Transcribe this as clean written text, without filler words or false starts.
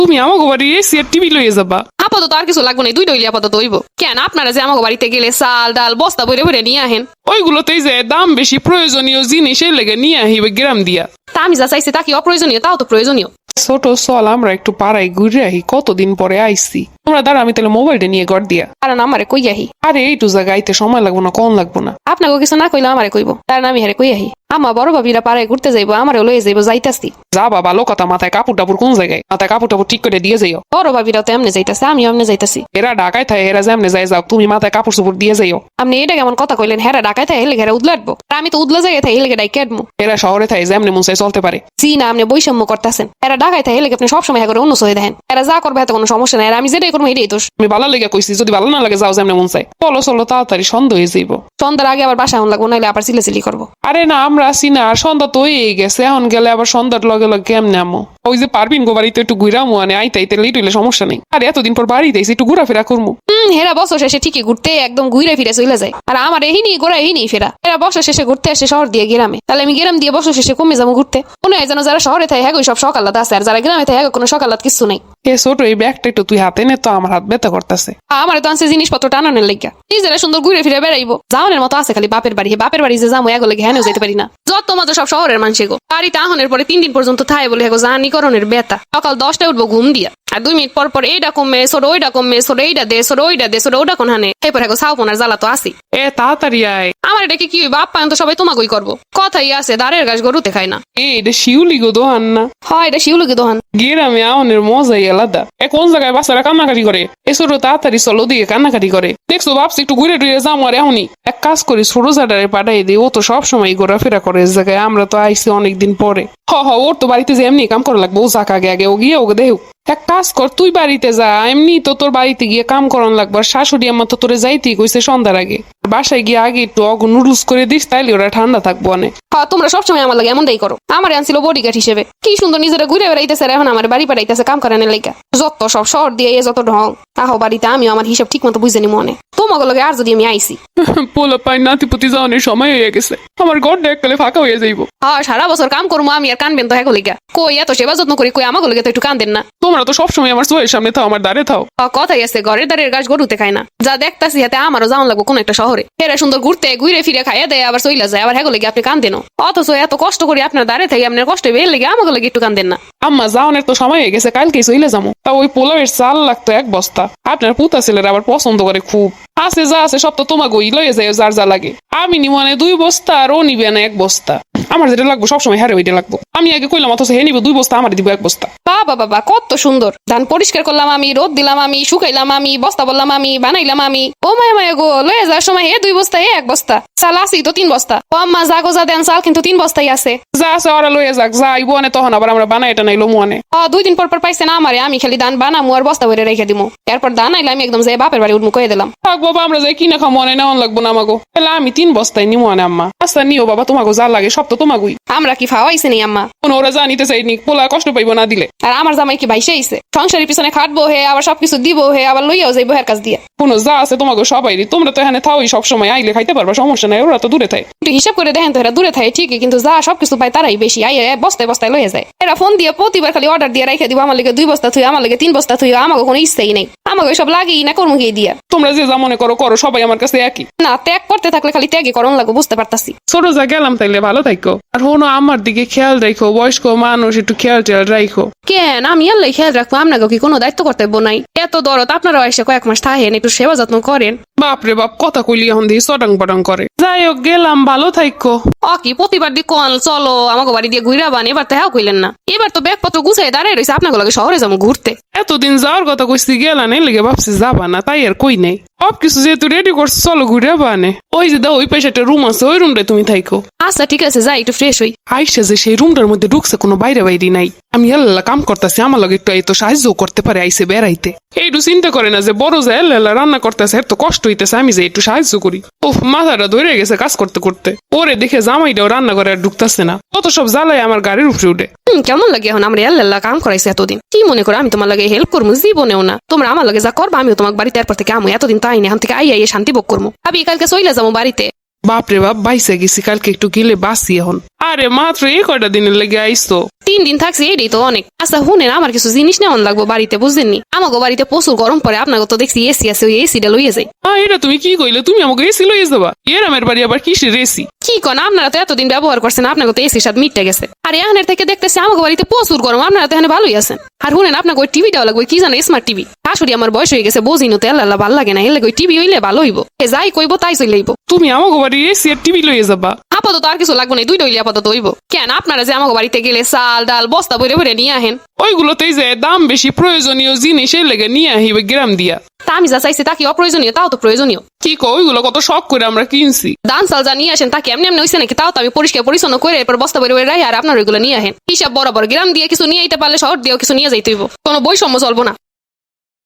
তুমি আমাকে বাড়ি এসি আর টিভি লইয়ে যাবা। আপাতত আর কিছু লাগবে না, দুইটা হইলে আপাতত হইব। কেন আপনারা যে আমাকে বাড়িতে গেলে চাল ডাল বস্তা বইরে বইরে নিয়ে আহেন, ওইগুলোতেই যে দাম বেশি, প্রয়োজনীয় জিনিসের লেগে নিয়ে আহিবে গ্রাম দিয়া। তা আমি যা চাইছি তা কি অপ্রয়োজনীয়? তাও তো প্রয়োজনীয়। ছোট চল আমরা একটু পাড়ায় ঘুরে আহি, কতদিন পরে আইসি। তোমরা দাঁড়া, আমি তাহলে মোবাইলটা নিয়ে ঘর দিয়া। কারণ আমারে কই আহি। আরে এইটু জায়গা আইতে সময় লাগবো না, কম লাগবো না। আপনাকে কিছু না কইলে আমারে কইব, কারণ আমি হারে কই আহি। আমা বড় ভাবিরা পাড়ায় ঘুরতে যাইবো, আমারে লয়ে যাইবো, যাইতাছি। যা বাবা, ভালো কথা। মাথায় কাপড় টাপড় কোন জায়গায়? মাথায় কাপড় টাপড় ঠিক করে দিয়ে যাইও। বড় ভাবিরাও তো এমনি যাইতাছে, আমিও এমনি যাইতাছি। এরা ঢাকায় থাকে, এরা যেমনে যাই যাও, তুমি মাথায় কাপড় চোপড় দিয়ে যাইও। আপনি এটা কেমন কথা কইলেন? হেরা ডাকায় থাকে হেলে ঘেরা উদলাটবো, আর আমি তো উদলা জায়গায় থাকি হেলে ডাই কেটবো। এরা শহরে থাকে, যেমনে মন চাই চলতে পারে। জি না, আপনি বৈষম্য করতেছেন। এরা ডাকায় থাকে হেলে আপনি সবসময় হ্যাঁ করে অন্য সহে দেখেন। এরা যা করবে এত কোনো সমস্যা নাই, আর আমি যেটাই করবো এটাই দোষ। আমি ভালো লেগে কইছি, যদি ভালো না লাগে যাও যেমনে মন চাই। চলো চলো তাড়াতাড়ি, সন্ধ্যা হয়ে যাইব। সন্ধ্যার আগে আবার বাসা লাগবো, নাইলে আবার চিলেচিলি করবো। আরে না, আমরা আসি না, আর সন্ধ্যা তো হয়ে গেছে। এখন গেলে আবার সন্ধ্যার লগে লগে কেমনে আমো? ওই যে পারবিন গো বাড়িতে একটু ঘুরামো, মানে আইতে লেট হইলে সমস্যা নেই। আর এতদিন পর বাড়িতে এসে একটু ঘোরাফেরা করবো। হেরা বছর শেষে ঠিকই ঘুরতে একদম ঘুরে ফিরে চলে যায়, আর আমার এহিনি গোড়া এহিনি ফেরা। এরা বছর শেষে ঘুরতে আসে শহর দিয়ে গ্রামে, তাহলে আমি গ্রাম দিয়ে বছর শেষে কমে যাবো ঘুরতে। মনে হয় যেন যারা শহরে থাকে হ্যাঁ সব সকালাত আছে, আর যারা গ্রামে থাকে হ্যাঁ কোনো সকালাত কিছু নেই। এ ছোট, এই ব্যাগটা একটু তুই হাতে নে তো, আমার হাত ব্যথা করতেছে। আমার তো আনছে জিনিসপত্র টানানোর লাগিয়া, নিজেরা সুন্দর ঘুরে ফিরে বেড়াইবো। যাওয়ানের মতো আছে খালি বাপের বাড়ি। বাপের বাড়ি যে যাবো এগো লেগে হ্যাঁ যেতে পারি না। যত মজা সব শহরের মানুষে গো। বাড়িতে আহনের পরে 3 দিন পর্যন্ত থাই বলে হ্যাঁ জানিকরণের ব্যথা। সকাল 10টায় উঠবো ঘুম দিয়া, আর 2 মিনিট পর পর এইটা কমে সর, ওইটা কমে সর, এইটা দে সর, ওইটা দে সর, ওটা কোন হানে এরপর হ্যাঁ সাউপনার জ্বালা তো আসি। এ তাড়াতাড়ি আয়। আমার এটা কি বাপ পায়ন তো সবাই তোমাকেই করবো। কথাই আছে দাঁড়ের গাছ গরুতে খায় না। এটা শিউলি গো দোহান না? হয় এটা শিউলুকি দোহান। গ্রামে আহনের মজাই আলাদা। কোন জায়গায় বাচ্চারা কান্নাকাটি করে, এ ছোট তাড়াতাড়ি চলো দিয়ে কান্নাকাটি করে। দেখছো ভাবছি একটু ঘুরে টুরে যাবো, আর এখনই এক কাজ করি, ছোট জাডারে পাঠাই দিই। ও তো সবসময় ঘোরাফেরা করে এই জায়গায়, আমরা তো আইসি অনেকদিন পরে। ওর তো বাড়িতে যে এমনি কাম করা লাগবে, ও যাক আগে আগে ও গিয়ে ওকে দেহ। এক কাজ কর, তুই বাড়িতে যা, এমনি তো তোর বাড়িতে গিয়ে কাম করান লাগবে। আর শাশুড়ি আমার তো তোরে যাইতেই কইছে সন্ধ্যার আগে। বাসায় গিয়ে আগে একটু নুডলস করে দিস, তাইলে ওরা ঠান্ডা থাকবো অনেক। হ্যাঁ তোমরা সবসময় আমার লাগে এমনটাই করো। আমার আনছিল বডিগার্ড হিসেবে, কি সুন্দর নিজেরা ঘুরে বেড়াইতেছে, আর এখন আমার বাড়ি পাঠাইতেছে কাম করানোর লাইগা। যত সব শহর দিয়ে যত ঢং। আহো বাড়িতে, আমিও আমার হিসাব ঠিক মতো বুঝে নি মনে। তোমাকে লগে আর যদি আমি আইসি, পোলা পাই নাতিপুতি যাওয়ানোর সময় হয়ে গেছে, আমার ঘরটা এককালে ফাঁকা হয়ে যাইবো। হ্যাঁ সারা বছর কাম করবো আমি, আর কানবেন তো হ্যাঁ লিগা। কই এত সেবা যত্ন করি, কই আমাকে লগে তো একটু কান্দেন না? তোমরা তো সবসময় আমার চোখের সামনে থাও, আমার দ্বারে থাও। কথাই আছে, ঘরের দ্বারের গাছ গরুতে খায় না। যা দেখতাছি হাতে আমারও যাওয়ান লাগবো কোন একটা শহরে। এরা সুন্দর ঘুরতে ঘুরে ফিরে খাইয়া দেয়, আবার চইলা যায়, আবার হ্যাঁ লেগে আপনি কান্দেন। অথচ এত কষ্ট করি আপনার দ্বারে থেকে আপনার কষ্ট বের লেগে আমাকে লেগে একটু কান্দেন না? আম্মা যাওয়ানের তো সময় হয়ে গেছে, কালকেই চইলে যাবো। তা ওই পোলাওয়ের চাল লাগতো 1 বস্তা। আপনার পুতা ছেলেরা আবার পছন্দ করে খুব। আছে যা আছে সব তো তোমাকেই লয়ে যায়, যার যা লাগে। আমি নিব মানে 2 বস্তা, আর ও নিবে না 1 বস্তা। আমার যেটা লাগবো সবসময় হ্যারে ওইটা লাগবো। আমি আগে কইলাম, অথচ হে নিব 2 বস্তা, আমার দিব 1 বস্তা। বাবা বাবা কত সুন্দর। ধান পরিষ্কার করলাম আমি, রোদ দিলাম আমি, শুকাইলাম আমি, বস্তা বললাম আমি, বানাইলাম আমি। ও মায়া মায়া গো, লয়ে যাওয়ার সময় হে 2 বস্তা, হে 1 বস্তা চাল আসি তো 3 বস্তা। ও আম্মা যা গো যা দেন চাল কিন্তু 3 বস্তাই আছে। যা আছে ওরা লয়ে যাক, যা আইবো আনে, তখন আবার আমরা বানাই এটা নাইলো মনে। 2 দিন পর পর পাইছে না আমারে, আমি খালি ধান বানামু আর বস্তা ভরে রেখে দিমু। এরপর ধান আইলে আমি একদম যাই বাপের বাড়ি উঠমু কয়ে দিলাম। থাক বাবা, আমরা যাই কিনা খাও, মনে নেওয়ান লাগবো না আমাগো। তাহলে আমি 3 বস্তায় নিবো আনে আম্মা। আচ্ছা নিও বাবা, তোমাকে যা লাগে সব তো তোমাগুই। আমরা কি ফাওয়াইছে নি আম্মা? কোনো ওরা জানিতে চাইনি, পোলা কষ্ট পাইবো না দিলে। আর আমার জামাই কি ভাইসে আইছে? সংসারের পিছনে খাটবো হে, আবার সবকিছু দিব হে, আবার লইয়াও যাইবো হের কাছ দিয়া। কোনো যা আছে তোমাকে সবাইরই, তোমরা তো এখানে থাওই সবসময়, আইলে খাইতে পারবা, সমস্যা নাই। ওরা তো দূরে থাকে। একটু হিসাব করে দেখেন তো, এরা দূরে থাকে ঠিকই, কিন্তু যা সবকিছু পায় তারাই বেশি। বস্তায় বস্তায় লয়ে যায়। এরা ফোন দিয়ে প্রতিবার খালি অর্ডার দিয়ে রাখে দিব, আমার লাগে 2 বস্তা থুই, আমার লাগে 3 বস্তা থুই। আমাকে কোনো ইচ্ছাই নেই, আমাকে সব লাগেই না কর্ম গিয়ে দিয়া। তোমরা যে যা মনে করো করো, সবাই আমার কাছে একই। না ত্যাগ করতে থাকলে খালি ত্যাগই করণ লাগবো, বুঝতে পারতাছি। ছোট যা গেলাম, তাইলে ভালো থাকো। আর হনো আমার দিকে খেয়াল রাখো, বয়স্ক মানুষ একটু খেয়াল টেয়াল রাখো। কেন আমি আল্লাহ খেয়াল রাখবো, আপনাকে কি কোনো দায়িত্ব কর্তব্য নাই? এত দরদ আপনারা এসে কয়েক মাস থাকেন, একটু সেবা যত্ন করেন। বাপরে বাপ, কথা কইলি এখন দিয়ে চটাং পটাং করে। যাই হোক গেলাম, ভালো থাকো। কি প্রতিবার দি কল চলো আমাকে বাড়ি দিয়ে ঘুরা বান, এবার তো হ্যাঁ কইলেন না। এবার তো ব্যাগপত্র গুছাই দাঁড়ায় রয়েছে, আপনাকে লাগে শহরে যাবো ঘুরতে। এতদিন যাওয়ার কথা কইছি, গেলা নেই লেগে ভাবছি যাবা না, তাই আর কই নাই। সব কিছু যেহেতু রেডি করছি, চলো ঘুরে বানে। ওই যে দাও, ওই পাশে একটা রুম আছে, ওই রুমটায় তুমি থাকো। আচ্ছা ঠিক আছে, যাই একটু ফ্রেশ হই। আইসা যে সেই রুমটার মধ্যে ঢুকছে, কোনো বাইরে বাইরে নাই। আমি আল্লাহ কাম করতেছি, আমার লগে একটু এই তো সাহায্য করতে পারে, আইসে বেড়াইতে। এইটু চিন্তা করে না যে বড় যে আল্লাহ রান্না করতেছে, এত কষ্ট হইতেছে, আমি যে একটু সাহায্য করি। ওহ, মাথাটা ধরে গেছে কাজ করতে করতে। ওরে দেখে জামাইটাও রান্না করে আর ঢুকতেছে না, তত সব জ্বালাই আমার গাড়ির উপরে উঠে। কেমন লাগে এখন আমরা আল্লাহ কাম করাইছে এতদিন। কি মনে করো আমি তোমার লাগে হেল্প করবো? জীবনেও না। তোমরা আমার লাগে যা করবা আমিও তোমার বাড়িতে এরপর থেকে আমি এতদিন তাই না, এখন থেকে আইয়া শান্তি ভোগ করবো। আমি কালকে চইলা যাবো বাড়িতে। বাপরে বাপ, বাইসে গেছি, কালকে একটু গেলে বাসি। এখন আরে মাত্র এই কয়টা দিনের লেগে আইসো। 3 দিন থাকছি এটাই তো অনেক। আচ্ছা শুনেন, আমার কিছু জিনিস নেওয়ান লাগবো বাড়িতে, বুঝলেননি? আমাকে বাড়িতে প্রচুর গরম পড়ে, আপনাকে তো দেখছি এসি আছে, ওই এসিটা লইয়ে যাই। এটা তুমি কি কইলে? তুমি আমাকে এসি লইয়ে যাবা? এরামের বাড়ি আবার কিসের এসি? কি কোন, আপনারা তো এতদিন ব্যবহার করছেন, আপনাকে তো এসির সাথে মিটে গেছে। আর এখানের থেকে দেখতেছি আমাকে বাড়িতে প্রচুর গরম, আপনারা তো এখানে ভালোই আছেন। আর শুনেন, আপনাকে ওই টিভিটাও লাগবে, কি জানো, স্মার্ট টিভি। শাশুড়ি আমার বয়স হয়ে গেছে, বুঝিনো তো, আল্লাহ ভাল লাগে না, এলে ওই টিভি হইলে ভালো হইব। যাই কইব তাই চলে আইব। তুমি আমাকে বাড়ির এসি আর টিভি লইয়ে যাবা? আপাতত আর কিছু লাগবে না, দুইটা হইলে আপাতত হইব। কেন, আপনারা যে আমাকে বাড়িতে গেলে চাল ডাল বস্তা বইরে বইরে নিয়ে আহেন, ওইগুলোতেই যে দাম বেশি, প্রয়োজনীয় জিনিস এর লেগে নিয়ে আহিবে গ্রাম দিয়া। তা আমি যা চাইছি তা কি অপ্রয়োজনীয়? তাও তো প্রয়োজনীয়। কি কো, ওইগুলো কত শখ করে আমরা কিনছি। দান চাল যা নিয়ে আসেন তা কি এমনি এমনি হইছে নাকি? তাও তো আমি পরিষ্কার পরিচ্ছন্ন করে এরপর বস্তা বইরে বইরে রাখি, আর আপনার ওইগুলো নিয়ে আহেন। হিসাব বরাবর, গ্রাম দিয়ে কিছু নিয়ে আইতে পারলে শহর দিয়েও কিছু নিয়ে যাইতে হইব, কোনো বৈষম্য চলবো না।